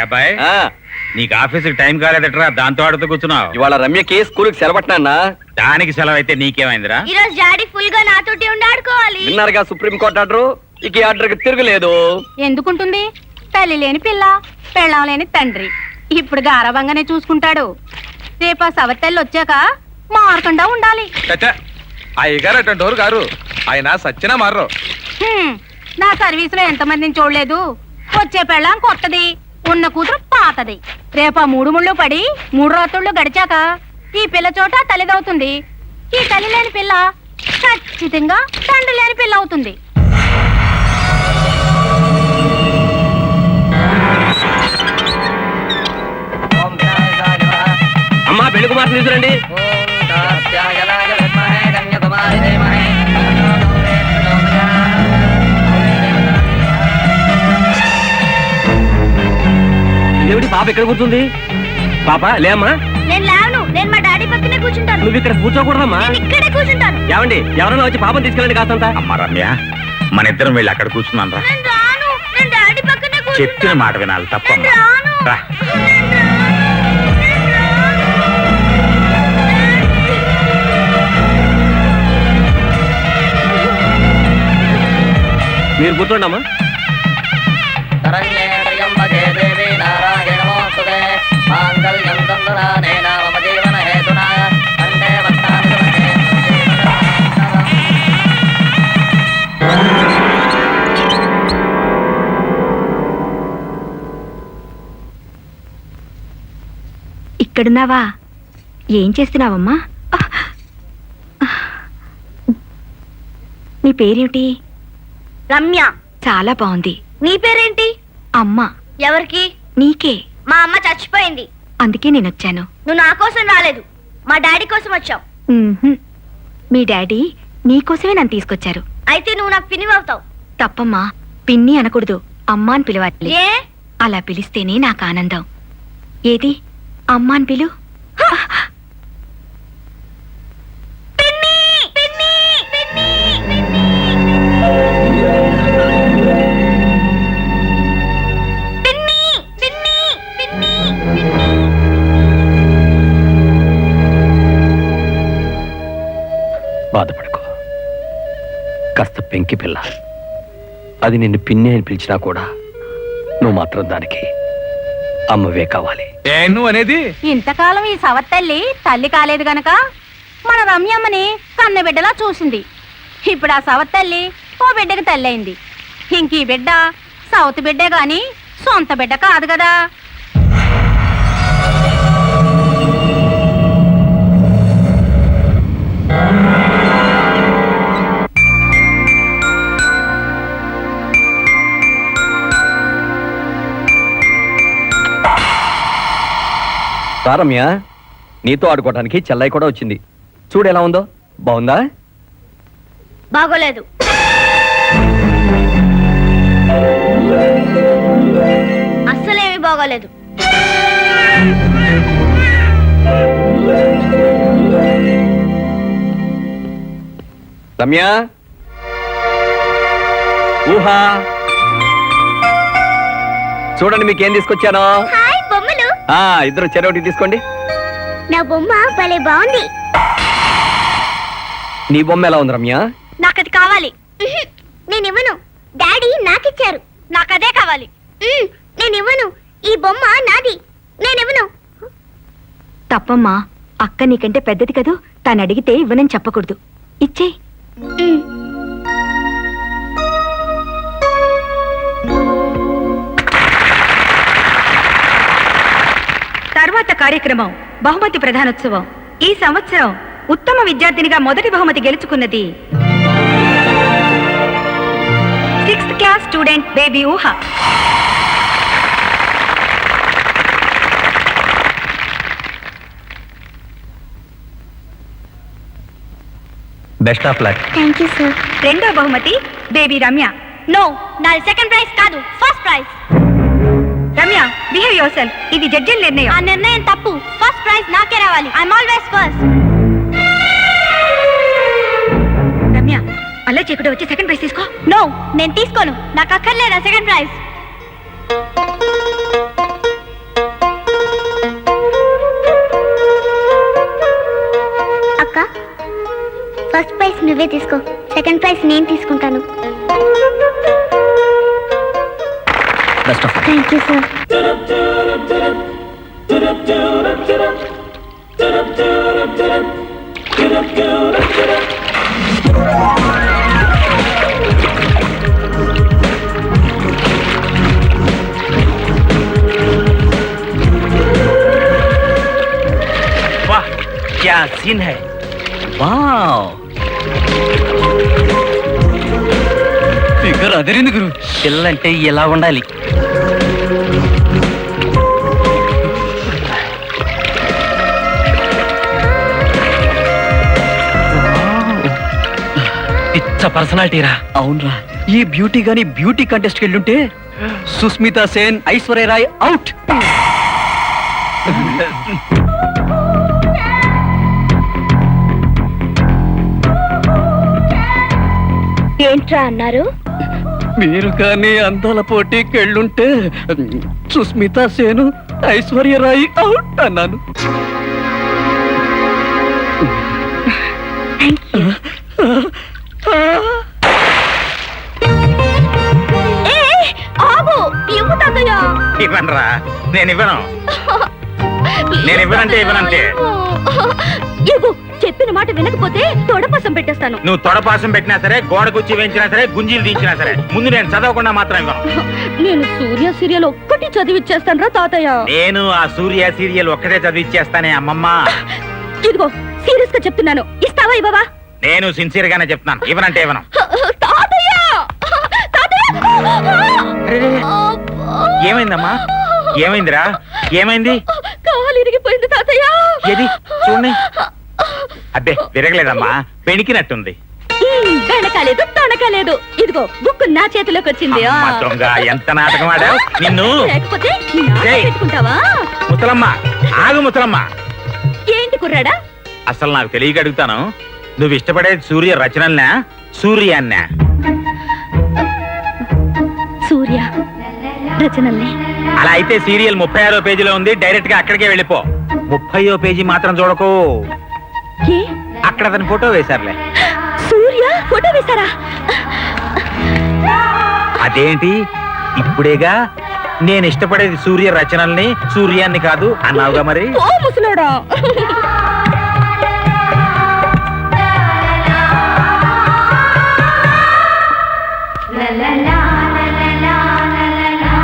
అబ్బాయి నీకు ఆఫీసుకి టైం కాలేదట్రా, దాంతో ఆడుతూ కూర్చున్నావు. ఇవాళ రమ్యకి స్కూల్కి సెలవుట్నా? దానికి సెలవు అయితే నీకేమైందిరా? ఈ రోజు డాడీ ఫుల్ గా నాతోటి ఉండి ఆడుకోవాలి. విన్నారుగా సుప్రీం కోర్టు ఆర్డర్. ఇక ఈ ఆర్డర్కి తిరగలేదు. ఎందుకుంటుంది? తల్లి లేని పిల్ల, పెళ్ళం లేని తండ్రి. ఇప్పుడు గారవంగానే చూసుకుంటాడు. రేపు ఆ సవతల్లి వచ్చాక మారకుండా ఉండాలి. అయ్యగారు అటువంటి గారు, ఆయన సచ్చినా మారరు. నా సర్వీస్ లో ఎంతమందిని చూడలేదు. వచ్చే పెళ్ళం కొత్తది, ఉన్న కూతురు పాతది. రేపు ఆ 3 ముళ్ళు పడి 3 రాత్రుళ్ళు గడిచాక ఈ పిల్ల చోట తల్లిదవుతుంది. ఈ తల్లి లేని పిల్ల ఖచ్చితంగా తండ్రి లేని పిల్ల అవుతుంది. అమ్మా పెళ్లి కుమార్ తీసుకురండి. ఏమిటి పాప ఎక్కడ కూర్చుంది? పాప లేమ్మా. నేను లేవను, నేను మా డాడీ పక్కనే కూర్చుంటాను. నువ్వు ఇక్కడ కూర్చోకూడదమ్మా. ఇక్కడే కూర్చుంటాను. ఏమండి, ఎవరైనా వచ్చి పాపం తీసుకెళ్ళండి కాస్తంతా. అమ్మ రమ్య, మన ఇద్దరం వెళ్ళి అక్కడ కూర్చున్నాను రా. నేను రాను, నేను డాడీ పక్కనే కూర్చుంటాను. చెప్పిన మాట వినాలి, తప్పమ్మా. రా. మీరు కూర్చోండమ్మా. ఇక్కడున్నావా? ఏం చేస్తున్నావమ్మా? నీ పేరేమిటి? రమ్య. చాలా బాగుంది. నీ పేరేంటి? అమ్మ. ఎవరికి? నీకే. మా అమ్మ చచ్చిపోయింది, అందుకే నేనొచ్చాను. నువ్వు నా కోసం రాలేదు, మా డాడీ కోసం వచ్చావు. మీ డాడీ నీకోసమే నన్ను తీసుకొచ్చారు. అయితే నువ్వు నాకు పిన్ని అవుతావు. తప్పమ్మా, పిన్ని అనకూడదు, అమ్మ అని పిలవాలి. ఏ? అలా పిలిస్తేనే నాకు ఆనందం. ఏది అమ్మ అని పిలు. బాధపడుకో, కాస్త పెంకి పిల్ల. అది నిన్ను పిన్ని అని పిలిచినా కూడా నువ్వు మాత్రం దానికి అమ్మవే కావాలి. నువ్వు అనేది? ఇంతకాలం ఈ సవత్తల్లి తల్లి కాలేదు గనక మన రమ్యమ్మని కన్న బిడ్డలా చూసింది. ఇప్పుడు ఆ సవత్తల్లి ఓ బిడ్డకి తల్లి అయింది. ఇంక ఈ బిడ్డ సవతి బిడ్డే గాని సొంత బిడ్డ కాదు కదా. రమ్య, నీతో ఆడుకోవడానికి చెల్లై కూడా వచ్చింది. చూడు ఎలా ఉందో. బాగుందా? బాగోలేదు. అస్సలేమీ బాగోలేదు. రమ్య, ఊహా, చూడండి మీకేం తీసుకొచ్చాను. హాయ్ బొమ్మలు. ఇద్దరు చెరొకటి తీసుకోండి. నా బొమ్మ భలే బాగుంది. నీ బొమ్మ ఎలా ఉంది రమ్య? నాకది కావాలి. నేనివ్వను, డాడీ నాకిచ్చారు. నాకదే కావాలి. నేనివ్వను, ఈ బొమ్మ నాది. నేనివ్వను. తప్పమ్మా, అక్క నీకంటే పెద్దది కదూ, తను అడిగితే ఇవ్వనని చెప్పకూడదు. ఇచ్చే. తర్వాత కార్యక్రమం బహుమతి ప్రధానోత్సవం. ఈ సంవత్సరం ఉత్తమ విద్యార్థినిగా మొదటి బహుమతి గెలుచుకున్నది 6th class student baby Uha. Best of luck. Thank you sir. రెండో బహుమతి బేబీ రమ్య. నో, నాది సెకండ్ ప్రైజ్ కాదు, first prize. Ramya, behave yourself. ఇది జడ్జిల నిర్ణయం. ఆ నిర్ణయం తప్పు. ఫస్ట్ ప్రైజ్ నాకే రావాలి. I'm always first. రమ్య, అలా చేయకుండా వచ్చి సెకండ్ ప్రైజ్ తీసుకో. నో, నేను తీసుకోను. నాకు అక్కర్లేదా సెకండ్ ప్రైజ్. ఫస్ట్ ప్రైజ్ నువ్వే తీసుకో, సెకండ్ ప్రైజ్ నేను తీసుకుంటాను. Best of thank you sir. वाह क्या सीन है. వావ్ ఫిగర్ అదిరింది గురు. పిల్లంటే ఎలా ఉండాలి. పిచ్చ పర్సనాలిటీ రా. అవునరా, ఈ బ్యూటీ గాని బ్యూటీ కంటెస్ట్ వెళ్ళుంటే సుస్మితా సేన్, ఐశ్వర్య రాయ్ అవుట్. ఏంట్రా అన్నారు? మీరు కానీ అందాల పోటీకి వెళ్ళుంటే సుస్మితా సేను, ఐశ్వర్య రాయ్ అవుట్ అన్నాను. ఆగు, ఇవ్వు తాతయ్య. ఇవ్వనరా, నేను ఇవ్వను. నేను ఇవ్వనంటే ఇవ్వనంటే. ఇవ్వు, చెప్పిన మాట వినకపోతే తొడపసం పెట్టేస్తాను. నువ్వు తొడపాసం పెట్టినా సరే, గోడ కుర్చీ వేయించినా సరే, గుంజీలు తీయించినా సరే, ముందు నేను చదవకుండా మాత్రం ఇవ్వను. నేను సూర్య సీరియల్ ఒక్కటి చదివిచ్చేస్తాను రా తాతయ్య. నేను ఆ సూర్య సీరియల్ ఒక్కటే చదివిచ్చేస్తానే అమ్మమ్మ. ఇదిగో సీరియస్ గా చెప్తున్నాను, ఇస్తావా ఇవ్వవా? నేను సిన్సియర్ గానే చెప్తున్నాను, ఇవ్వనంటే ఇవ్వను. తాతయ్య! తాతయ్య! ఏమైందమ్మా? ఏమైందిరా? ఏమైంది? కాలు ఇరిగిపోయింది తాతయ్య. ఏది చూడండి. అబ్బే విరగలేదమ్మా, పెణికినట్టుంది. వెనకాలేదు తొనకాలేదు. ఇదిగో బుక్ నా చేతిలోకి వచ్చింది. అమ్మ దొంగ, ఎంత నాటకం ఆడావు నిన్ను. లేకపోతే నీ నాన్న ఏయ్. పెట్టుకుంటావా? ముసలమ్మ ఆగు, ముసలమ్మ. ఏంటి కుర్రాడా? అసలు నాకు తెలియక అడుగుతాను, నువ్వు ఇష్టపడేది సూర్య రచనల్నా, సూర్యాన్నా? సూర్య రచనల్ని. అలా అయితే సీరియల్ 36వ పేజీలో ఉంది, డైరెక్ట్ గా అక్కడికే వెళ్ళిపో. 30వ పేజీ మాత్రం చూడకు, ఏ? అక్కడ అతని ఫోటో వేశారులే. సూర్య ఫోటో వేశారా? అదేంటి ఇప్పుడేగా నేను ఇష్టపడేది సూర్య రచనల్ని, సూర్యాన్ని కాదు అన్నావుగా మరి. ఓ ముసలోడా.